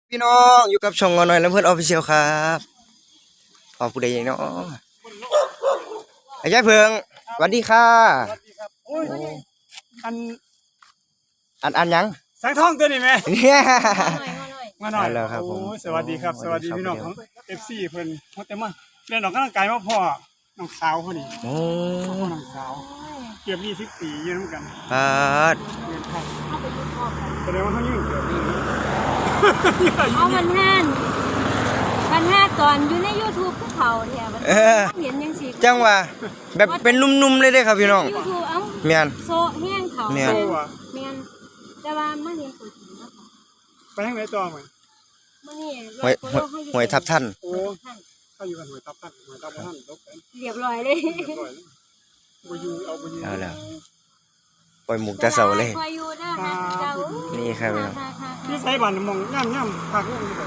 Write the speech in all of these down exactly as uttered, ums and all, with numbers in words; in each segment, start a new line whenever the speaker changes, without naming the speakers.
พี่น้องอยู่กับช่องงอหน่อยแล้วเพื่อนออฟฟิเชียลครับพอผู้ใดอย่างน้องไอ้ยายเพิงสวัสดีค่ะ
สวัสดีครับโอ้ยอัน
อันอันยัง
สังทองตัวนี้ไหม
เนี่ย
มาหน่อย
แล้วครับผม
โอ้ยสวัสดีครับสวัสดีพี่น้องของเอฟซีเพิ่นมาแต่มาเล่นออกกำลังกายมาพ่อน้องสาวคนนี้
โอ้
พ่อน้องสาวเกือบยี่สิบปีอยู่ด้วยกัน
ปาด
แสดงว่าเขายุ่งเกี่ยวกับ
เอามันแห้นมันแห้ตอนอยู่ใน ยูทูบ ภูเขาแถวมันเห็นยังสิ
จังว่าแบบเป็นนุ่มๆเลยเด้ครับพี่น้อง
YouTube เอ้า
เมียน
โซแห้งเขา
เมียน
เมียนแต่ว่ามันเห็นตัวจริงแล้วค่ะ
ไปทางไหนต่อมั้ย
มื้อนี้
หวยหวยทับท่าน
โอ้เขาอยู่กันหวยทับท่านหวยทับท่านตกกัน
เรียบร้อยเลย
เรียบร้อยบ่อยู่เอาบ่อยู่
เอาแล้วปล่อยหมูกตะเสาเลย นี่ครับพี่น้อง
นี่ใส่บ้านมองย่ำๆพักลงนี่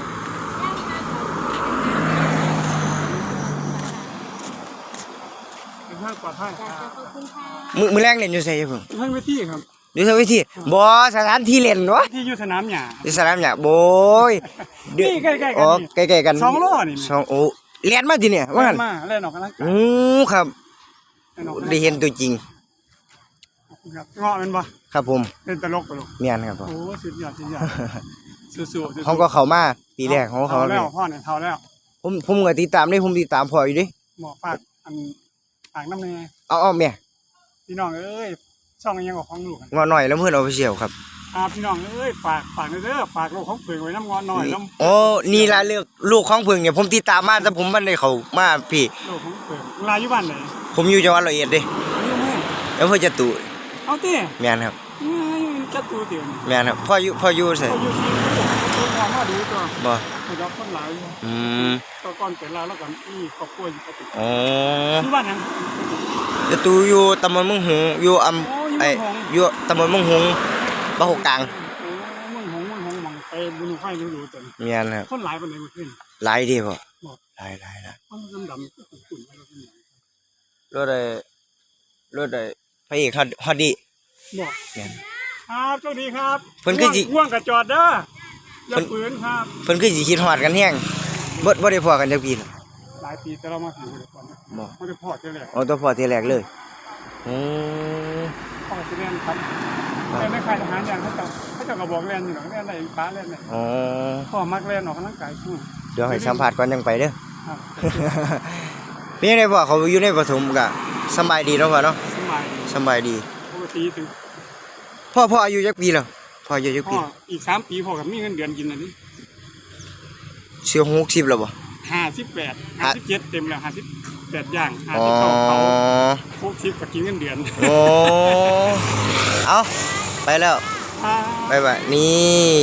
ทางปลอดภัย
มือมือแรกเล่นอยู่ไสเพิ่ง
ทางเวทีครับ
อยู่ทางเวทีบ่สถานที่เล่นวะ
ที่อยู่สนามหญ้า
อยู่สนามหญ้าโบย
นี่ใกล้ๆกัน
อ๋อใกล้ๆกัน
สองโลนี่
สองโอ้เรียนมาที่เนี่ยว่างั้น
มาเล่นออกกำลังกาย
อือครับได้เห็นตัวจริง
ครับเงาะมันบ่
ครับผม
เป็นตลกตลก
เมียนครับผม
โอ้สุดยอดสุดยอดสู้ๆ
เขาก็เข้ามาปีแรกเขาเขา
แล้วพ่อเนี่ยเท่าแล้ว
ผมผมก็ติดตามได้ผมติดตามพ่ออยู่ดิ
หมอฝากอันฝากน้ำแน่
เอาเอาเมีย
พี่น้องเอ้ยช่องยังกับของลูก
งอหน่อยแล้วเพื่อนออฟฟิเชียลครับ
อ่าพี่น้องเอ้ยฝากฝากเด้อฝากลูกของเพิ่งไว้น้ำงอนหน่อยน้ำ
โอ้นี่ละเลือกลูกของเพิ่งเนี่ยผมติดตามมาแต่ผมมันได้เขามาพี่
ลูกของเพิ่งลายอยู่บ้านไหน
ผมอยู่จังหวัดร้อยเอ็ดดิแล้วเพื่อจะตู่
เอาตี
เมียนครับ
จะตู่เตียน
เมียนครับพ่ออยู่พ่ออยู่ใส่
พ่ออยู่ซีตัวพ่อมาดูตัว
บ่
ให้รับคนหลาย
อืม
ตอนก่อนเป็นลาวแล้วก่อนนี่ครอบครัวอยู่ปกติ
อ๋อ
ที่บ้านนั้น
จะตู่อยู่ตำบลมึงหงอยู่อำไออยู่ตำบลมึงหงบ้านหกกลาง
มึงหงมึงหงมังไปบุญไฟดูดูตัว
เมียนครับ
คนหลายปานใดบ่ขึ้น
หลายดีบ่หลายหลายละ
มันดำๆขุ่นๆอะไรพวกนี้
รถได้รถได้พระเอกฮอดฮอดดี
บ่แม่นครับโชคดีครับ
เพิ่นคือสิ
ห่วงก็จอดเด้ออย่าปืนครับ
เพิ่นคือสิคิดฮอดกันแฮงบ่บ่ได้พอกันจักปีห
ลายปีแต่เรามาถึงบ่ได้พอบ่บ่ได้พอเทื่อแรก
อ๋อตัวพอเทื่อแรกเลยอือ
พ่อสิเรียนครับแต่ในค่ายทหารอย่างเขาเจ้าเขาเจ้าก็บอกเรียนอยู่เนาะเรียนได้ฟ้าเรียนได้อ๋อพ่อมักเรียนออกกำลังกายซุ่ม
เดี๋ยวให้สัมภาษณ์ก่อนจังไปเด้อครับเป็นจังได๋พ่อเขาอยู่ในปฐมก็สบายดีเนาะพ่อเนาะ
สบายดี
สบายดี
ปกติถึง
พ่อพ่ออายุจักปีแล้วพ่ออายุจักปี
อีกสามปีพ่อก็มีเงินเดือนกินอันนี้
เสียหกสิบแล้วบ่
ห้าสิบแปด ห้าสิบเจ็ดเต็มแล้วห้าสิบแปดอย่างห้าสิบเก้าเขาหกสิบก็กินเงินเดือน
โอ้เอาไปแล้วบ๊ายบายนี่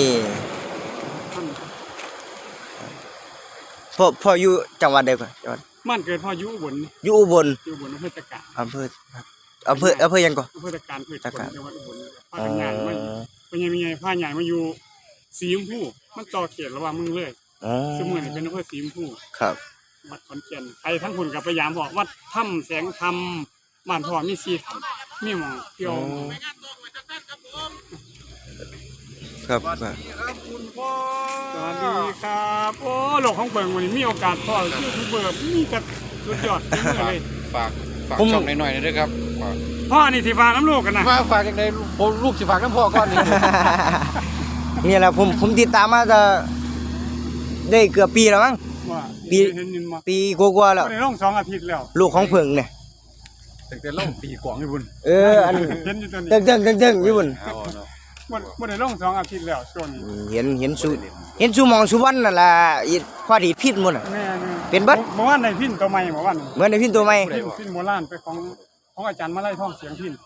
พ่อพ่ออยู่จังหวัดใดก่อนจังหวัด
บ้านเกิดพ่ออยู่อุบล
อยู่อุบล
อยู่อุบลอำเภอตะการ
อำเภออำเภออำเภอยังก่อน
อำเภอตะการอำเภอตะการจังหวัดอุบลพากันใหญ่มาเป็นยังไงพาใหญ่มาอยู่สีชมพูมันต่อเขตระหว่างเมืองเลยสมุนเป็นอำเภอสีชมพู
ครับ
วัดขอนแก่นไปทั้งคนกับพยายามบอกวัดถ้ำแสงธรรมบ้านพ่อมีซีถ้ำมีหมองเที่ยว
ครับ
สวัสดีครับคุณพ่อสวัสดีครับโอ้โลกของเบิ่งวันนี้มีโอกาสพ่อชื่อคุณเบิ่งมีกับสุดยอดเลย
ฝากฝากช่องหน่อยๆด้วยครับ
พ่อนี่สิฝากน้ำลูกกันนะ
ฝากฝากยังไงผมลูกสิฝากน้ำพ่อก่อนนี่
นี่แหละผมผมติดตามมาจะได้เกือบปีแล้วมั้งปีปีกว่าๆแล้ว
ได้ลงสองอาทิตย์แล้ว
ลูกของเพิ่งเนี่ย
ตั้งแต่ลงปีกว่าญี่ปุ่น
เอออันนี้
เห็นอยู่ตัวนี้
เจิงๆๆๆญี่ปุ่น
บ่ได้ลงสองอาทิตย์แล้วช่วงนี้
เห็นเห็นสุเห็นสุมองสุวรรณนั่นล่ะพอดีพิษหมดน่ะเป็นเบิด
เมื่อวานได้พินตัวใหม่เมื่อวาน
เหมือนได้พินตัวใหม่
พินพินโบราณไปของของอาจารย์มาไล่ท่องเสียงพิน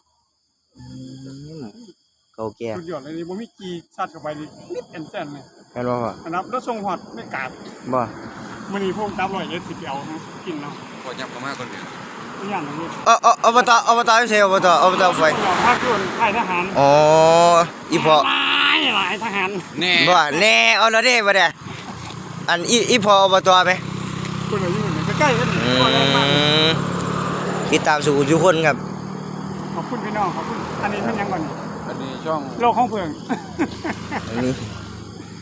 เก่าแก่
สุดยอดเลยนี่บ่มีกี่ซัดเข้าไปนี่นิดแอนแซนเลย
แม่นบ่พ่อ
อันนั้นแล้วส่งฮอดไม่กราบ
บ่
มื้อนี้พวกตามร้อยเอ็ดสิบเอากินเนาะ
พอยับเข้ามาก่อนเด้อ
อย่างนี้
เออๆอบตอบตอยู่ไสอบตอบตไฟ
ภาคส่วนค่ายทหาร
อ๋ออีพ่อ
หลายหลายทหาร
แน่บ่แน่เอาแล้วเด้บ่ได้อันอีอีพ่ออบตมั้ย
คนอยู่นี่ใกล้ๆกันนี่
บ่ได้มาติดตามสู่ทุกคนครับ
ขอบคุณพี่น้องขอบคุณอันนี้เป็นยังก่อน
อันนี้ช่อง
โลกของเพิ่ง
อันนี้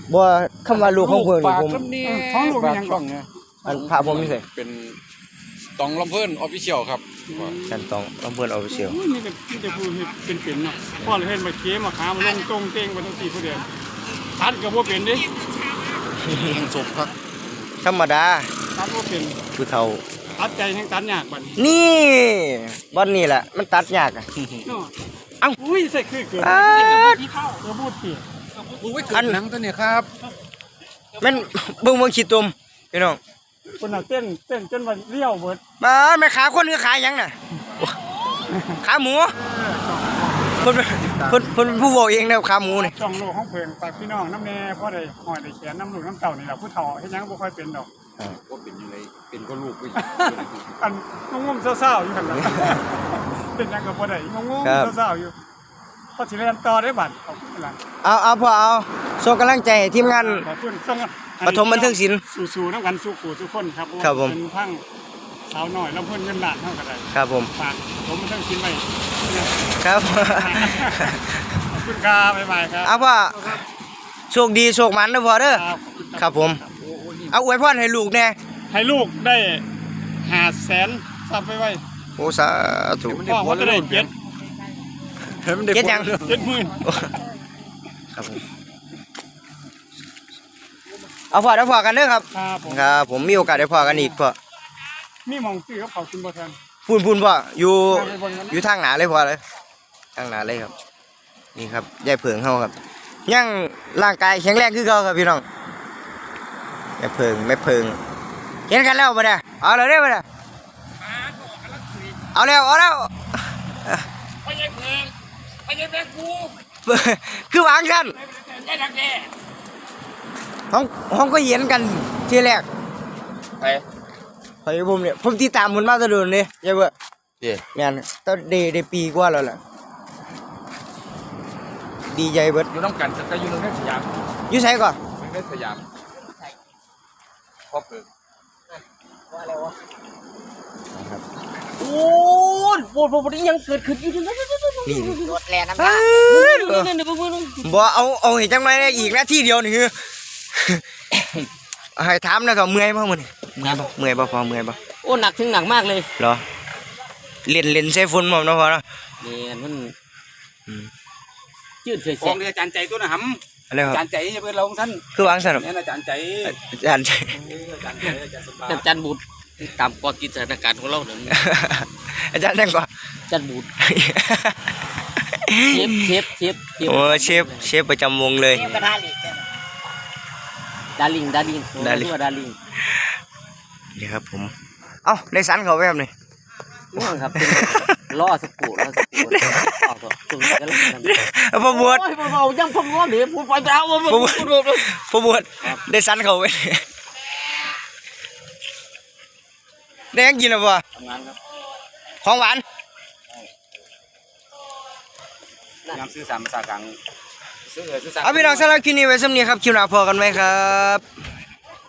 บ่คำว่าลูกของเพิ่นนี่
ฝาก
ผม
น้ำเนี่ย
ของลูกเป็นหยัง
ช่องเนี่ย
อันพาผมนี่สิ
เป็นตองลำเพิ่นออฟฟิเชียลครับ
กันต้องต้องเพิ่นเอาไปเชียว
โอ้ยนี่ก็นี่จะพูดเป็นเป็นๆเนาะพ่อเลยเห็นมาเกมมาขามาลงตรงเต้งมาทั้งสี่ผู้เดียวตัดก็บ่เป็นเดิ
ยังจบครับ
ธรรมดา
ตัดบ่เป็น
ผู้เฒ่า
ตัดใจแห่งตัดยากบัดนี้
นี่บ่อนนี่แหละมันตัดยากอะ
เนาะ
เอ้า
อุ้ยใส่คือเกิน
อ่า
ที่เข้าเออพูดเสีย
ดูไว้เกิดหนังตัวเนี้ครับ
แม่นเบิ่งเบิ่งขี้ตุ่มพี่น้อง
คนน่ะเต้นเต้นจนว่าเลี้ยวเบิด
มาแม่ขาคนคือขาหยังน่ะขาหมูเพิ่นเพิ่นเพิ่นเป็นผู้บอกเองนะขาหมูนี่
ช่องโลกของเพิ่นฝากพี่น้องน้ำแน่พ่อได้หอยได้แขนน้ำลูกน้ำเต่านี่แหละผู้เฒ่าเฮ็ดหยังบ่ค่อยเป็นดอก
ว่าเป็นยังไงเป็นก็ลูกไป
อันงงๆเศร้าๆอยู่หั่นล่ะเป็นหยังก็บ่ได้งงๆเศร้าๆอยู่พอสิเรียนต่อได้บัดขอบคุณหลาน
เอาเอาพ่อเอาส่งกำลังใจให้ทีมงาน
ขอบคุณส่ง
ปฐมบันเทิงศิลป์
สู่ๆน้ำกันสู่ขู่สู่คนครับ
ครับผม
เป็นทั้งสาวน้อยลำเพิ่นเงินล้านเท่ากันได้
ครับผม
ฝากผมมันทั้งชิ้นไว้
ครับ
ขอบคุณครับบ๊ายบายครับ
เอาพ่อโชคดีโชคมันนะพ่อเด้อ
ครับ
ครับผม เอาอวยพรให้ลูกแน่
ให้ลูกได้หาแสนซับไปไว้
โอ้สาธุ
พ่อเขาจะได้เจ็ด
เก็ดยัง
เจ็ดหมื่น
ครับผมเอาพ่อเดี๋ยวพอกันเด้อครับ
ครับผม
ครับผมมีโอกาสได้พอกันอีกพ่อ
มีหมองซื้อกับเขากินบ่ทัน
พูนพูนพ่ออยู่
ไปเบิ่งกัน
อยู่ทางหนาเลยพ่อเลยทางหนาเลยครับ นี่ครับยายเผิงเฮาครับ ยังร่างกายแข็งแรงคือเก่าครับพี่น้องยายเผิงแม่เผิงเห็นกันแล้วบ่ได้เอาเลยเด้อบ่ได้เอาแล้วเอาแล้ว
ไปยังเพลงไปยังเพลงกู
คือวางกัน
ได้ดังแก่
ห้องห้องก็เห็นกันทีแรก
ไป
ไปผมเนี่ยผมติดตามมันมาแตลอดเลยยายเบ่
เย่
แม่นตอนเดได้ปีกว่าแล้วล่ะดีใจเบิด
อยู่น้ำกันจะอยู่ในสยาม
อยู่ไสก่อน
ในสยามพ่อเกิด
โอ้ยโบดโบดยังเกิดขึ้นอยู่นั่น
นี่
รถแล่น้ำ
เอ้
ตาย
ย
นี่นี่เบิ่ง
บ่เอาเอาให้จังไรได้อีกนาทีเดียวนี่คือ ให้ถามนะครับเมื่อยบ่มื้อนี้เมื่อยบ่เมื่อยบ่พอเมื่อยบ่
โอ้หนักถึงหนักมากเลย
เหรอเล่นเล่นใส่ฝนบ่เนาะพอเนาะ
นี่มัน
อืม
จืดเฉย
ของอาจารย์ใจตัวนะห
อะไรค
ำอา
รั
จา
บ
รย์ใจจะเป็นเราของท่าน
คือวางซั่นครับ
เนี่ยอาจารย์ใจ
อาจารย์
อาจารย์ใจอาจารย์สบาย
น้ำจันบูดตามกอกิจสถานการณ์ของเราเนี่ย
อาจารย์นั่งก่อน
จันบูดเชฟเชฟเชฟ
โอ้เชฟเชฟประจำวงเลย
ดาริงดาริง
ดาริ่ง
ดาริง
นี่ครับผม เอ้าได้สันเขาแบบนี้
นี่ครับเป็นล่อสกูล่อสกูต่อต่อตรงนี้ก็แล้ว
พอบวช
โอ้ยเบาๆยังพงง้อเดี๋ยวพูดไปแล้วว่า
พอบวชพอบวชได้สันเขาไปได้ยังกินหรือเปล่า
ทำงานครับ
ของหวาน
ยามซื้อสามภาษากลางซื้อเออซื้อสาม
เอาพี่น้องสำหรับคลิปนี้ไว้สำนี้ครับคลิปหน้าพอกันไหมครับ